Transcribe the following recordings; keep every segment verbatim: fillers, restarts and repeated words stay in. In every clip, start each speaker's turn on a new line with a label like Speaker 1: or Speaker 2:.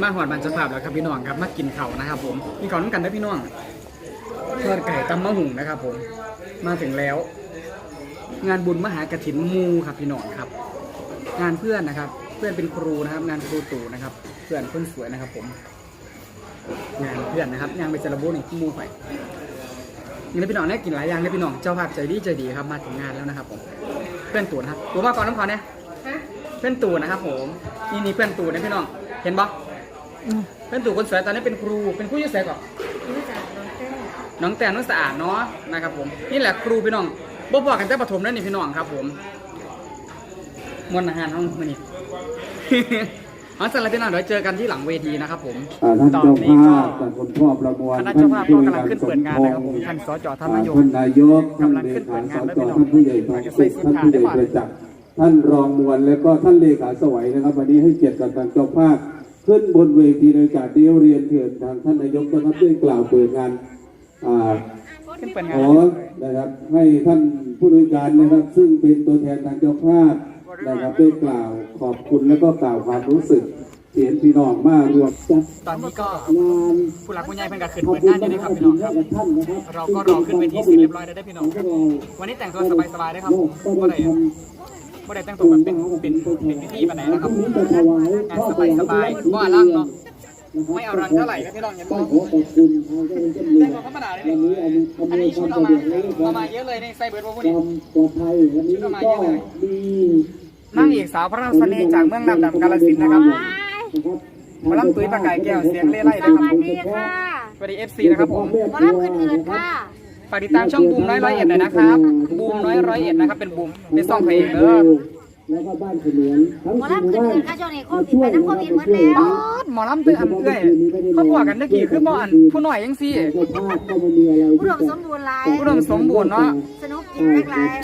Speaker 1: มาหอดบรรจภาพแล้วครับพี่น้องครับมากินเข่านะครับผมมีเข่าน้ำกันได้พี่น้องทอดไก่ตำมะหุ่งนะครับผมมาถึงแล้วงานบุญมหากฐินมูครับพี่น้องครับงานเพื่อนนะครับเพื่อนเป็นครูนะครับงานครูตู่นะครับเพื่อนคนสวยนะครับผมงานเพื่อนนะครับงานไปเจริญบุญในมูไปนี่พี่น้องได้กินหลายอย่างเลยพี่น้องเจ้าภาพใจดีใจดีครับมาถึงงานแล้วนะครับผมเพื่อนตู่นะครับตัวมาก่อนน้ำขอเนี่ยเพื่อนตู่นะครับผมนี่นี่เพื่อนตู่นะพี่น้องเห็นปะเพื่อนตู่คนสวยตอนนี้เป็นครูเป็นครูยุ่งเสียก่อนน้องแต่น้องสะอาดเนาะนะครับผมนี่แหละครูพี่น้องบ่บอกกันแต่ประถมนั่นนี่พี่น้องครับผมมวลอาหารห้องมันนี่เอาสำหรับพี่น้องเดี๋ยวเจอกันที่หลังเวทีนะครับผมตอนนี้ก็คณะเจ้าภาพก็กำลังขึ้นเปิดงานนะครับผมท่านสจท่านนายก
Speaker 2: ท่านนายก
Speaker 1: กำลังขึ้นเปิดงานแล้วพี่น้อง
Speaker 2: ท่านผู้ใหญ่ทองสุขท่านผู้ใหญ่ประจักษ์ท่านรองมวลและก็ท่านเลขาสวัยนะครับวันนี้ให้เกียรติกับทางเจ้าภาพขึ้นบนเวทีในการเดียวเรียนเถิดทางท่านนายกนะครับได้กล่าวเปิดงาน
Speaker 1: ขึ้นเปิดงาน
Speaker 2: ขอนะครับให้ท่านผู้บริการนะครับซึ่งเป็นตัวแทนทางเจ้าภาพนะครับได้กล่าวขอบคุณและก็กล่าวความรู้สึกเสียงพี่น้องมารวมจัด
Speaker 1: ตอนนี้ก็ผู้หลักผู้ใหญ่เพิ่งกระขึ้นเปิดงานอยู่นะครับพี่น้องครับเราก็รอขึ้นเวทีเสร็จเรียบร้อยได้พี่น้องครับวันนี้แต่งตัวสบายๆได้ครับผมก็ได้ก็ได้แต่งตัวแบบเป็นเป็นเป็นพิธีแบบไหนนะครับงานสบายๆก็อลังเนาะไม่เอารังเท่าไหร่ครับพี่น้องอย่ามองแต่งตัวธรรมดาเลยอันนี้ชุดเอามาเอามาเยอะเลยในไซเบิร์ดพวกนี้ชุดเอามาเยอะเลยนั่งเอกสาวพระราชเสน่ห์จากเมืองน้ำดำกาฬสินธุ์นะครับมาล่ำตุ้ยประกายแก้วเสียงเล่ไล่นะครับผมสวัสดีค่ะสวัสดีเอฟซีนะครับผม
Speaker 3: มาล่ำอื่นๆค่ะ
Speaker 1: ฝากติดตามช่องบูมน้อยร้อยเอ็ดหน่อยนะครับบูมน้อยร้อยเอ็ดนะครับเป็นบูมเป็นซ่องเพลงเด้อ
Speaker 2: แล้วก็บ้านเฉลียงทั้ง
Speaker 3: หมอลำอื่นๆค่ะช่วงนี้โควิดไปน้ำโควิดหมดแล้ว
Speaker 1: หมอลำตื้ออันเอื้อยเขาบอกกันตะกี้คือหมออันผู้หน่อยยังซี่
Speaker 3: ผู้ดมสมบูรณ์หลาย
Speaker 1: ผู้ดมสมบูรณ์เนาะ
Speaker 3: สนุกจริงแรกหลาย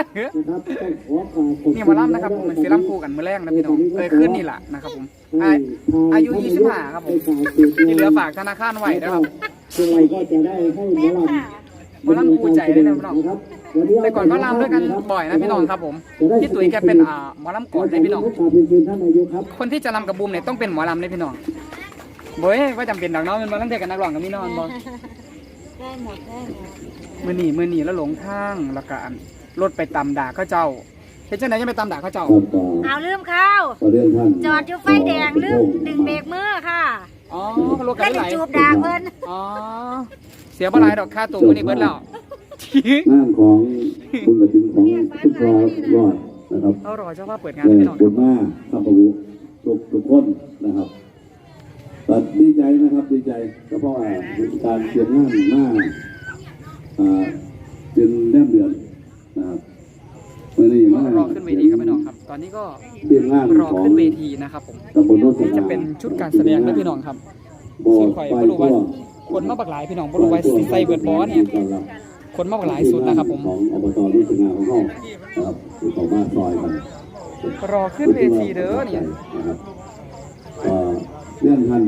Speaker 1: นี่หมอลำนะครับผมเป็นซีรัมคู่กันเมื่อแรกนะพี่น้องเคยขึ้นนี่แหละนะครับผมอายุยี่สิบห้าครับผมที่เหลือฝากธนาคารไว้นะครับ
Speaker 2: ก็จะได้ให้หมอลำ
Speaker 1: หมอลำคู่ใจด้วยนะพี่น้องแต่ก่อนก็ลำด้วยกันบ่อยนะพี่น้องครับผมพี่ตุ๋ยแกเป็นอ่าหมอลำก่อนเลยพี่น้องคนที่จะลำกับบูมเนี่ยต้องเป็นหมอลำเลยพี่น้องเบ้ยว่าจำเป็นดังน้องมันมาตั้งแต่กันนักร้องกับพี่น้องบอ
Speaker 3: ได้หมดได้หมด
Speaker 1: มือหนีมือหนีแล้วหลงทางแล้วก็รถไปตำด่าเขาเจ้าเห็นเจ้าไหนยังไปตำด่าเขาเจ้า
Speaker 3: เอาลืมข้าวจอดอยู่ไฟแดงลืมดึงเบรกมือค่ะ
Speaker 1: อ๋อรถกันไหล
Speaker 3: จูบด่าเพิ่น
Speaker 1: อ๋อเสียบอะไรดอกค่าตัวมือนี่เบิร์ดแล้ว
Speaker 2: งานของบุญกฐินของทุกครอบรอดนะครับ
Speaker 1: เขารอเจ้าว่าเปิดงานพี่น้อง
Speaker 2: บุญมากข้าพเจ้าทุกทุกคนนะครับแต่ดีใจนะครับดีใจก็เพราะว่าการเตรียมงานมากเป็นแนบเดือนนะครับวันนี้มาร
Speaker 1: อขึ้นเวทีครับพี่น้องครับตอนนี้ก็
Speaker 2: เตรียมงาน
Speaker 1: รอขึ้นเวทีนะครับผมนี่จะเป็นชุดการแสดงนะพี่น้องครับซึ่งคอยบรูว่าคนมาบักหลายพี่น้องบรูว่าสีไซเบิร์ดบอสเนี่ยคนมากหลายสุดนะครับผม
Speaker 2: ของอบตรุ่งงานของเขานะครับคือของบ้านซอยกัน
Speaker 1: รอขึ้นเวทีเด้อเนี่ย
Speaker 2: นะครับเรื่องท่าน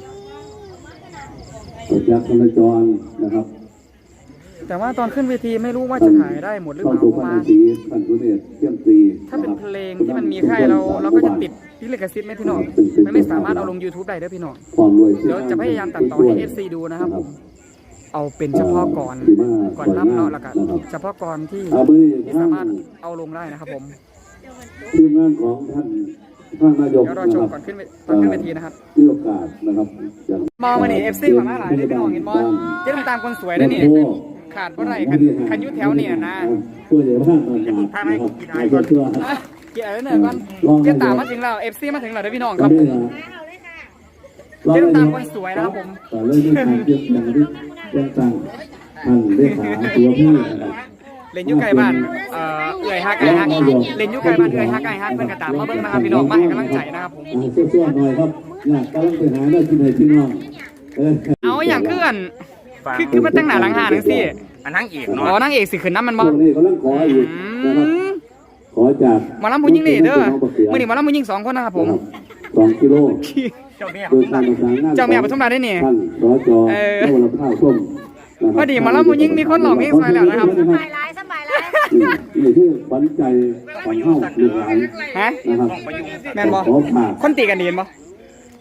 Speaker 2: ประจักษ์ธนจรนะครับ
Speaker 1: แต่ว่าตอนขึ้นเวทีไม่รู้ว่าจะถ่ายได้หมดหรือเปล่าเพราะว่าถ้าเป็นเพลงที่มันมีค่ายเราเราก็จะติดพิลิขสิทธิ์ไม่พี่น้องมันไม่สามารถเอาลง ยูทูบ ได้เด้อพี่น้องเดี๋ยวจะพยายามตัดต่อให้ เอฟ ซี ดูนะครับผมเอาเป็นเฉพาะก่อนก่อนรับเนาะแล้วกันเฉพาะก่อนที่ที่สามารถเอาลงได้นะครับผม
Speaker 2: ทีมงานของท่านท่านนายก
Speaker 1: เดี๋ยวรอชมก่อนขึ้นตอนขึ้นเวทีนะครับ
Speaker 2: ที่โอกาสนะครับ
Speaker 1: มองมาหนิเอฟซีมาหลายได้พี่น้องเห็นบอลเจ๊ต้องตามคนสวยได้นี่ขาดเพราะไรคันคันยุทธแถวเนี่ยนะ
Speaker 2: ผู้ใหญ่บ้านทางไหนกินอะไรก่อนกิน
Speaker 1: อะไรเนี่ยก่อนเจ๊ตามมาถึงแล้วเอฟซีมาถึงแล้วได้พี่น้องครับผมเจ๊ต้องตามคนสวยนะครับผม
Speaker 2: เรื่องการเตรียมอย่างที่เรื่องต่างท่านเลขาตัวพี่
Speaker 1: เล่นยุไก่บ้านเอ่อเอื่อยฮักไก่ฮักเล่นยุไก่บ้านเอื่อยฮักไก่ฮักเพื่อนกระตามมาเบิ้งนะครับพี่น้องมาให้กำลังใจนะครับผม
Speaker 2: ช่วยๆหน่อยครับอยากกำลังไปหาได้ที่ไหนพี่น้อง
Speaker 1: เอาอย่างเคลื่อนคือคือมันตั้งหน้าหลังหาหนังสิ
Speaker 4: อันนั่งเอกเนาะ
Speaker 1: อ๋อนั่งเอกสิขึ้นน้ำมันบ่
Speaker 2: นี่กำลังขออยู่นะครับขอจาก
Speaker 1: หมอลำผู้หญิงนี่เด้อมื่อนี้หมอลำผู้หญิงสองคนนะครับผม
Speaker 2: สองกิโล
Speaker 4: เจ้าแม่
Speaker 1: เจ้าแม่ปทุมราชได้เนี่ย
Speaker 2: ท่านสจเออข้าวส้ม
Speaker 1: พอดีหมอลำผู้หญิงมีคนหลอกเพลงสวยแล้วนะครับ
Speaker 3: สบายไลฟ์สบายไลฟ์
Speaker 2: นี่คือขวัญใจของเฮาลูกหลาน
Speaker 1: ฮะ
Speaker 2: นะครับ
Speaker 1: แม่นบ่คนตีกันดีนบ่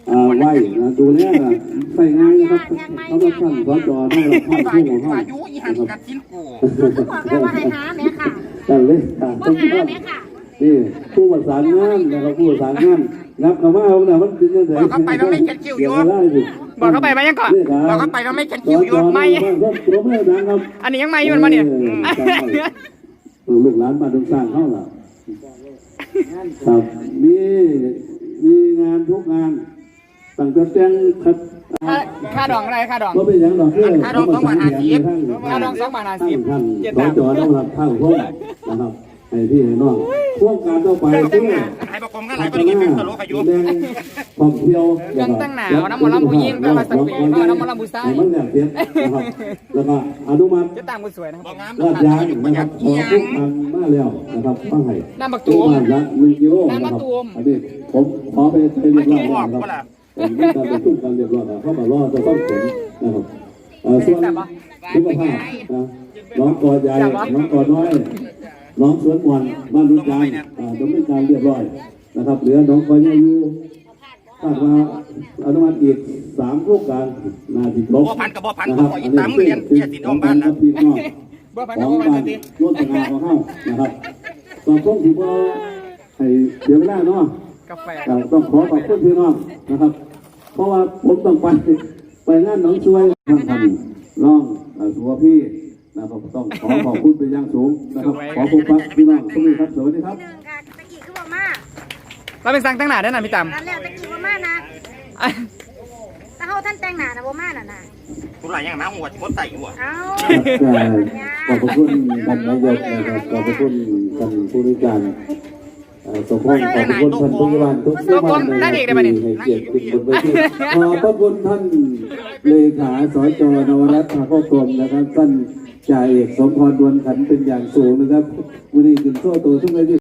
Speaker 2: อ่าไหวนะดูแลนะใส่งานนะครับเขาต้องท่านสจนะครับท่านผู้ของท่าน
Speaker 4: อายุอีหันกัดชิ้นกู
Speaker 3: บอกแล้วว่าให้หาแม่ค่ะ
Speaker 2: ท่านเลยค่ะ
Speaker 3: บ่
Speaker 2: ต้อง
Speaker 3: หา
Speaker 2: ท่าน
Speaker 3: แม่ค่ะ
Speaker 2: นี่ผู้ประสานงานนะครับผู้ประสานงานนับคำว่าเอาเนี่ยมันเป็นยังไง
Speaker 4: บอกเขาไปแล้วไม่เช็ดคิวอยู่
Speaker 1: บอกเขาไปไหมยังก่อน
Speaker 4: บอกเขาไปแล้วไม่เช็ดคิวอยู่
Speaker 2: ไม่ ตัวแม่นะครับ
Speaker 1: อันนี้ยังไม่อยู่มันมาเนี่ย
Speaker 2: ลูกหลานมาดงสร้างเขาล่ะครับมีมีงานทุกงานตั้งแต่แจ้งครับ
Speaker 1: ค่าค่าดองอะไรค่าดอง
Speaker 2: ก็เป็นอย่างดอกเบี้ย
Speaker 1: ค่าดองสองบาทห้าสิบเจ็ด
Speaker 2: ส
Speaker 1: บา
Speaker 2: อ
Speaker 1: ท
Speaker 2: จอต้องรับข้าวพวกนะครับให้พี่ให้น้องพวกการต่อไปที่
Speaker 4: ให้ประกมกันหลายคนกินเป็นตลกอายุ
Speaker 2: แดงท่องเที่ยว
Speaker 1: เครื่องตั้งหนาวน้ำหมอลำผู้หญิงก็มาสักปีก็น้ำหมอลำผู้ชาย
Speaker 2: มันเนี่ยเสียนะครับแล้วก็อนุมัติ
Speaker 1: จะตามคนสวยนะครับ
Speaker 4: บอกงาม
Speaker 2: ลาดยางนะครับขอทุกทางมาแล้วนะครับข้างให้
Speaker 1: น้ำบักตูม
Speaker 2: บ้านละหนึ่งกิโลนะ
Speaker 1: น้ำ
Speaker 2: ค
Speaker 1: มะ
Speaker 2: รับ
Speaker 1: ตูม
Speaker 2: อันนี้ผมขอไปไปเรียบร้อยแล้วนะครับผมมีการประชุมกันเรียบร้อยแล้วเข้ามารอจะต้องผลนะครับเอ่อส่วนสุขภาพนะน้องกอใหญ่น้องกอน้อย น้องสวนวันบ้านรุ่นจันทร์อ่าดำเนินการเรียบร้อยนะครับเหลือน้องกอใหญ่อยู่คาดว่าอนุมัติอีกสามโครงการนาทีครบ
Speaker 4: บ่พันกับบ่พัน
Speaker 2: นะค
Speaker 4: ก็
Speaker 2: รับ
Speaker 4: ขออีตามเรียนเกียรติน้องบ้านนะ
Speaker 2: พี่น้อง
Speaker 1: บ่พัน
Speaker 2: ข
Speaker 1: กั
Speaker 2: อบ ง
Speaker 1: บ่พัน
Speaker 2: บ้าน
Speaker 1: สติ
Speaker 2: ร่วมงานของเฮานะครับตอนช่วงที่ว่าให้เดี๋ยวเวลาเนาะ
Speaker 1: กาแฟ
Speaker 2: ก็ต้องขอขอบคุณพี่น้องนะครับ เพราะว่าผมต้องไปไปงานหนองช่วยทางทำน้องเอ่อสัวพี่นะครับต้องขอขอบคุณเป็นอย่างสูงนะครับขอพบปะพี่น้องทุกท่านครับสวัสดีครับ
Speaker 3: หนึ่งค่ะตะกี้คือบ่มา
Speaker 1: เราเป็นสั่งตั้งหนาได้นะพี่ตั้ม
Speaker 3: นั่นแหละตะกี้บ่มานะถ้าเฮาท่านแต่งหน้าน่ะบ่มาน่ะนะ
Speaker 4: คุณหลายอย่างน้ำหัวชดใส่หัว
Speaker 3: เอ้า
Speaker 2: ขอบคุณท่านนายกนะครับขอบคุณท่านผู้ริการเอ่อสมพงษ์ขอบคุณท่านผู้ว่าทุกท่านให้เกียรติขึ้นบนเวทีขอบพระคุณท่านเลขาสจนวรัตน์ภาคกรมนะครับท่านจ่าเอกสมพรดวนขันเป็นอย่างสูงนะครับวันนี้ถึงโซ่ตัวทุกเวที